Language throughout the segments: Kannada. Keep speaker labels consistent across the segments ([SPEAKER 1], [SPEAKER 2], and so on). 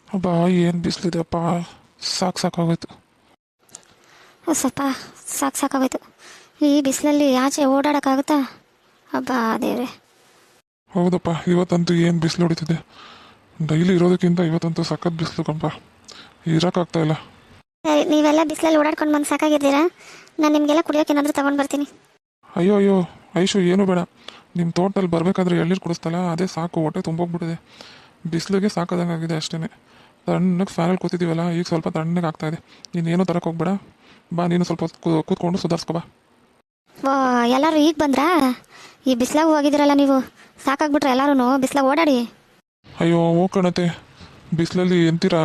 [SPEAKER 1] ಅಬ್ಬಾ ಏನು ಬಿಸಿಲಿದೆಪ್ಪ. ಸಾಕಾಗೋಯ್ತು.
[SPEAKER 2] ಸ್ವಲ್ಪ ಸಾಕಾಗೋಯ್ತು. ಈ ಬಿಸಿಲಲ್ಲಿ ಆಚೆ ಓಡಾಡೋಕ್ಕಾಗುತ್ತಾ? ಅಬ್ಬಾ ದೇವ್ರೆ.
[SPEAKER 1] ಹೌದಪ್ಪ, ಇವತ್ತಂತೂ ಏನು ಬಿಸಿಲು ಹೊಡಿತಿದೆ. ಡೈಲಿ ಇರೋದಕ್ಕಿಂತ ಇವತ್ತಂತೂ ಸಖತ್ ಬಿಸಿಲು ಕಂಪ. ಇರೋಕ್ಕಾಗ್ತಾ ಇಲ್ಲ.
[SPEAKER 2] ಸರಿ, ನೀವೆಲ್ಲ ಬಿಸಿಲಲ್ಲಿ ಓಡಾಡ್ಕೊಂಡು ಬಂದು ಸಾಕಾಗಿದ್ದೀರಾ? ನಾನು ನಿಮಗೆಲ್ಲ ಕುಡಿಯೋಕೆ ಏನಾದರೂ ತೊಗೊಂಡು ಬರ್ತೀನಿ.
[SPEAKER 1] ಅಯ್ಯೋ ಅಯ್ಯೋ ಐಶು, ಏನು ಬೇಡ. ನಿಮ್ಮ ತೋಟದಲ್ಲಿ ಬರಬೇಕಾದ್ರೆ ಎಳ್ನೀರು ಕುಡಿಸ್ತಲ್ಲ, ಅದೇ ಸಾಕು. ಹೊಟ್ಟೆ ತುಂಬೋಗ್ಬಿಟ್ಟಿದೆ. ಬಿಸಿಲಿಗೆ ಸಾಕಾದಂಗಾಗಿದೆ ಅಷ್ಟೇ. ತಣ್ಣಗೆ ಫ್ಯಾನಲ್ಲಿ ಕೂತಿದ್ದೀವಲ್ಲ, ಈಗ ಸ್ವಲ್ಪ ತಣ್ಣಗೆ ಆಗ್ತಾಯಿದೆ. ನೀನೇನು ತರಕ್ಕೆ ಹೋಗ್ಬೇಡ. ಬಾ, ನೀನು ಸ್ವಲ್ಪ ಹೊತ್ತು ಕೂತ್ಕೊಂಡು ಸುಧಾರಿಸ್ಕೊ ಬಾ.
[SPEAKER 2] ಓ, ಎಲ್ಲರೂ ಈಗ ಬಂದ್ರಾ? ಈ ಬಿಸಿಲಾಗ ಹೋಗಿದ್ದೀರಲ್ಲ ನೀವು, ಸಾಕಾಗ್ಬಿಟ್ರೆ ಎಲ್ಲರೂ ಬಿಸಿಲಾಗ ಓಡಾಡಿ.
[SPEAKER 1] ಅಯ್ಯೋ ಹೋಗ್ಕಣತೆ, ಬಿಸಿಲಲ್ಲಿ ಎಂತೀರಾ,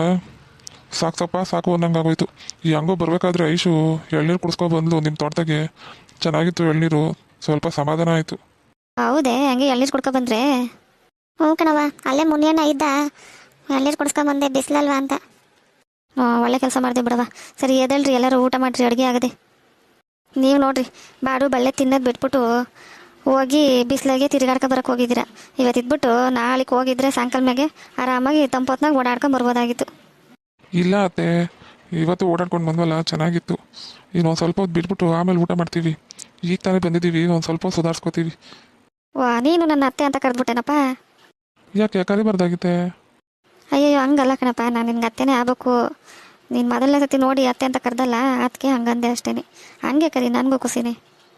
[SPEAKER 1] ಸಾಕು ಅನ್ನಂಗಾಗೋಯ್ತು. ಈ ಹಂಗೋ ಬರಬೇಕಾದ್ರೆ ಐಶು ಎಳ್ನೀರು ಕುಡಿಸ್ಕೊ ಬಂದ್ಲು ನಿಮ್ಮ ತೋಟದಾಗೆ. ಚೆನ್ನಾಗಿತ್ತು ಎಳ್ನೀರು, ಸ್ವಲ್ಪ ಸಮಾಧಾನ ಆಯಿತು.
[SPEAKER 2] ಹೌದೇ? ಹಂಗೆ ಎಳ್ನೀರು ಕುಡ್ಕೊ ಬಂದ್ರೆ? ಹ್ಞೂ ಕಣವ, ಅಲ್ಲೇ ಮುನಿಯಣ್ಣ ಇದ್ದ, ಎಳ್ನೀರು ಕುಡಿಸ್ಕೊಂಬಂದೆ ಬಿಸಿಲಲ್ವಾ ಅಂತ. ಒಳ್ಳೆ ಕೆಲಸ ಮಾಡಿದೆ ಬಿಡವ. ಸರಿ ಎದಳ್ರಿ, ಎಲ್ಲರೂ ಊಟ ಮಾಡಿರಿ, ಅಡುಗೆ ಆಗದೆ. ನೀವು ನೋಡ್ರಿ, ಬಾಡು ಬಳ್ಳೆ ತಿನ್ನೋದು ಬಿಟ್ಬಿಟ್ಟು ಹೋಗಿ ಬಿಸಿಲಾಗೆ ತಿರುಗಾಡ್ಕೊ ಬರೋಕೆ ಹೋಗಿದ್ದೀರಾ. ಇವತ್ತು ಇದ್ಬಿಟ್ಟು ನಾಳೆಗೆ ಹೋಗಿದ್ರೆ ಸಾಯಂಕಾಲ ಮ್ಯಾಗೆ ಆರಾಮಾಗಿ ತಂಪೊತ್ನಾಗ ಓಡಾಡ್ಕೊಂಡು ಬರ್ಬೋದಾಗಿತ್ತು.
[SPEAKER 1] ಇಲ್ಲ ಅತ್ತೆ, ಇವತ್ತು ಓಡಾಡ್ಕೊಂಡು ಬಂದ್ವಲ್ಲ, ಚೆನ್ನಾಗಿತ್ತು. ಇನ್ನೊಂದು ಸ್ವಲ್ಪ ಹೊತ್ತು ಬಿಟ್ಬಿಟ್ಟು ಆಮೇಲೆ ಊಟ ಮಾಡ್ತೀವಿ. ಈಗ ತಾನೇ ಬಂದಿದ್ದೀವಿ, ಒಂದು ಸ್ವಲ್ಪ ಸುಧಾರಿಸ್ಕೋತೀವಿ.
[SPEAKER 2] ವಾ, ನೀನು ನನ್ನ ಅತ್ತೆ ಅಂತ ಕರೆದ್ಬಿಟ್ಟೆನಪ್ಪ.
[SPEAKER 1] ಯಾಕೆ ಕರಿಬಾರ್ದಾಗಿತ್ತೆ?
[SPEAKER 2] ಅಯ್ಯಯ್ಯೋ, ಹಂಗಲ್ಲ ಕಣಪ್ಪ, ನಾನು ನಿನ್ಗೆ ಅತ್ತೆನೇ ಆಗಬೇಕು. ನೀನು ಮೊದಲನೇ ಸತಿ ನೋಡಿ ಅತ್ತೆ ಅಂತ ಕರೆದಲ್ಲ, ಅದಕ್ಕೆ ಹಂಗಂದೆ ಅಷ್ಟೇ. ಹಂಗೆ ಕರಿ, ನನಗೂ ಖುಷಿನೇ.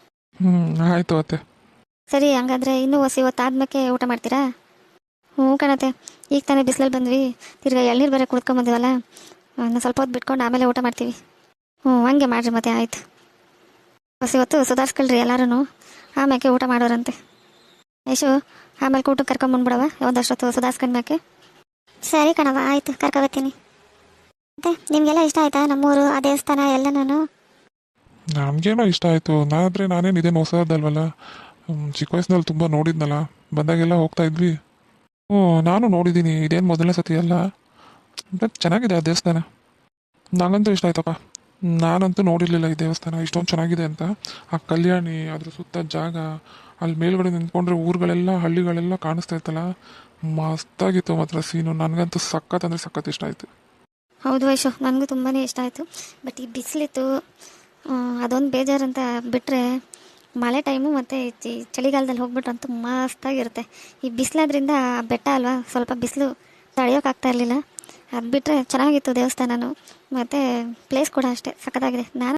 [SPEAKER 1] ಆಯಿತು ಅತ್ತೆ.
[SPEAKER 2] ಸರಿ, ಹಂಗಂದ್ರೆ ಇನ್ನೂ ಹೊತ್ತಾದ್ಮೇಲೆ ಊಟ ಮಾಡ್ತೀರಾ? ಹ್ಞೂ ಕಣತೆ, ಈಗ ತಾನೇ ಬಿಸಿಲಲ್ಲಿ ಬಂದ್ವಿ, ತಿರ್ಗಾ ಎಳ್ನೀರು ಬೇರೆ ಕುಡ್ಕೊಂಬಂದಿವಲ್ಲ, ಇನ್ನು ಸ್ವಲ್ಪ ಹೊತ್ತು ಬಿಟ್ಕೊಂಡು ಆಮೇಲೆ ಊಟ ಮಾಡ್ತೀವಿ. ಹಂಗೆ ಮಾಡಿರಿ ಮತ್ತೆ. ಆಯಿತು, ಹೊತ್ತು ಸುಧಾರಿಸ್ಕೊಳ್ರಿ ಎಲ್ಲರೂ, ಆಮ್ಯಾಕೆ ಊಟ ಮಾಡೋರಂತೆ. ಯಶು, ಆಮೇಲೆ ಊಟಕ್ಕೆ ಕರ್ಕೊಂಬಂದ್ಬಿಡವ ಒಂದಷ್ಟೊತ್ತು ಸುಧಾರಿಸ್ಕೊಂಡ್ಮ್ಯಾಕೆ. ಸರಿ ಕಣವ, ಆಯಿತು, ಕರ್ಕೊಬತ್ತೀನಿ. ಮತ್ತೆ ನಿಮಗೆಲ್ಲ ಇಷ್ಟ ಆಯ್ತಾ ನಮ್ಮೂರು, ಆ ದೇವಸ್ಥಾನ ಎಲ್ಲನೂ?
[SPEAKER 1] ನಮಗೇನೋ ಇಷ್ಟ ಆಯಿತು. ನಾನೇನು ಇದೇನು ಹೊಸದಲ್ವಲ್ಲ, ಚಿಕ್ಕ ವಯಸ್ಸಿನಲ್ಲಿ ತುಂಬ ನೋಡಿದ್ನಲ್ಲ, ಬಂದಾಗೆಲ್ಲ ಹೋಗ್ತಾ ಇದ್ವಿ. ನಾನು ನೋಡಿದ್ದೀನಿ, ಇದೇನು ಮೊದಲನೇ ಸತಿ ಅಲ್ಲ. ಬಟ್ ಚೆನ್ನಾಗಿದೆ ಆ ದೇವಸ್ಥಾನ, ನನಗಂತೂ ಇಷ್ಟ ಆಯ್ತಪ್ಪ. ನಾನಂತೂ ನೋಡಿರಲಿಲ್ಲ ಈ ದೇವಸ್ಥಾನ ಇಷ್ಟೊಂದು ಚೆನ್ನಾಗಿದೆ ಅಂತ. ಆ ಕಲ್ಯಾಣಿ, ಅದ್ರ ಸುತ್ತ ಜಾಗ, ಅಲ್ಲಿ ಮೇಲ್ಗಡೆ ನಿಂತ್ಕೊಂಡ್ರೆ ಊರುಗಳೆಲ್ಲ ಹಳ್ಳಿಗಳೆಲ್ಲ ಕಾಣಿಸ್ತಾ ಇತ್ತಲ್ಲ, ಮಸ್ತಾಗಿತ್ತು ಮಾತ್ರ ಸೀನು. ನನಗಂತೂ ಸಖತ್ ಅಂದರೆ ಸಖತ್ ಇಷ್ಟ ಆಯಿತು.
[SPEAKER 2] ಹೌದು ವೈಶು, ನನಗೂ ತುಂಬಾ ಇಷ್ಟ ಆಯಿತು. ಬಟ್ ಈ ಬಿಸಿಲಿತ್ತು, ಅದೊಂದು ಬೇಜಾರಂತ ಬಿಟ್ಟರೆ ಮಳೆ ಟೈಮು ಮತ್ತು ಚಳಿಗಾಲದಲ್ಲಿ ಹೋಗ್ಬಿಟ್ರಂತೂ ಮಸ್ತಾಗಿರುತ್ತೆ. ಈ ಬಿಸಿಲಾದ್ರಿಂದ ಬೆಟ್ಟ ಅಲ್ವಾ, ಸ್ವಲ್ಪ ಬಿಸಿಲು ತಡೆಯೋಕ್ಕಾಗ್ತಾ ಇರಲಿಲ್ಲ. ಅದು ಬಿಟ್ಟರೆ ಚೆನ್ನಾಗಿತ್ತು ದೇವಸ್ಥಾನನೂ, ಮತ್ತು ಪ್ಲೇಸ್ ಕೂಡ ಅಷ್ಟೇ ಸಖತ್ತಾಗಿದೆ. ನಾನು